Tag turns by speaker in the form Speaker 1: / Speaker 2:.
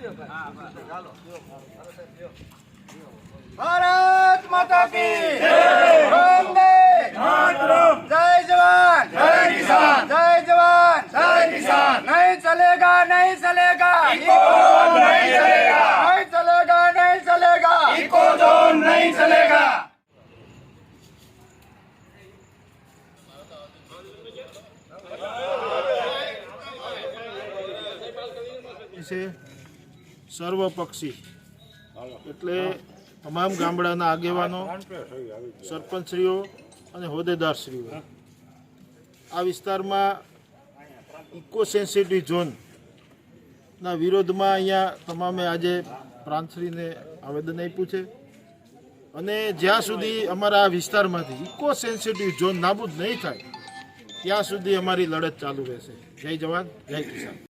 Speaker 1: भारत माता की वंदे मातरम। जय जवान जय किसान, जय जवान जय किसान। नहीं चलेगा नहीं चलेगा, इको जोन नहीं चलेगा, नहीं चलेगा नहीं चलेगा, इको जोन नहीं चलेगा।
Speaker 2: સર્વપક્ષી એટલે તમામ ગામડાના આગેવાનો, સરપંચશ્રીઓ અને હોદ્દેદારશ્રીઓ આ વિસ્તારમાં ઇકો સેન્સિટિવ ઝોનના વિરોધમાં અહીંયા તમામે આજે પ્રાંતશ્રીને આવેદન આપ્યું છે અને જ્યાં સુધી અમારા આ વિસ્તારમાંથી ઇકો સેન્સિટિવ ઝોન નાબૂદ નહીં થાય ત્યાં સુધી અમારી લડત ચાલુ રહેશે। જય જવાન જય કિસાન।